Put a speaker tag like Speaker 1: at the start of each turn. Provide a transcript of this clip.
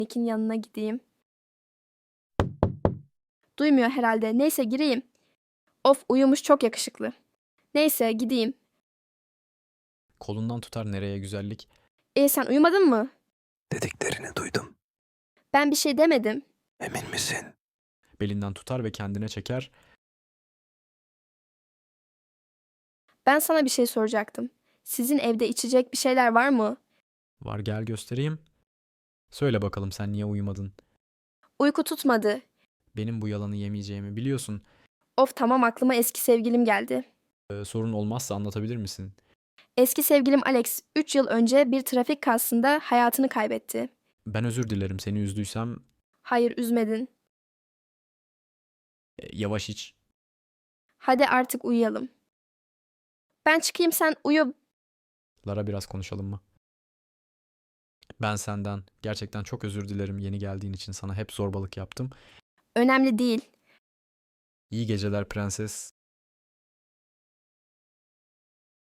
Speaker 1: Nick'in yanına gideyim. Duymuyor herhalde. Neyse gireyim. Of uyumuş çok yakışıklı. Neyse gideyim.
Speaker 2: Kolundan tutar nereye güzellik.
Speaker 1: Sen uyumadın mı?
Speaker 3: Dediklerini duydum.
Speaker 1: Ben bir şey demedim.
Speaker 3: Emin misin?
Speaker 2: Belinden tutar ve kendine çeker.
Speaker 1: Ben sana bir şey soracaktım. Sizin evde içecek bir şeyler var mı?
Speaker 2: Var gel göstereyim. Söyle bakalım sen niye uyumadın?
Speaker 1: Uyku tutmadı.
Speaker 2: Benim bu yalanı yemeyeceğimi biliyorsun.
Speaker 1: Of tamam aklıma eski sevgilim geldi.
Speaker 2: Sorun olmazsa anlatabilir misin?
Speaker 1: Eski sevgilim Alex 3 yıl önce bir trafik kazasında hayatını kaybetti.
Speaker 2: Ben özür dilerim seni üzdüysem.
Speaker 1: Hayır üzmedin.
Speaker 2: Yavaş iç.
Speaker 1: Hadi artık uyuyalım. Ben çıkayım sen uyu.
Speaker 2: Lara biraz konuşalım mı? Ben senden gerçekten çok özür dilerim yeni geldiğin için sana hep zorbalık yaptım.
Speaker 1: Önemli değil.
Speaker 2: İyi geceler prenses.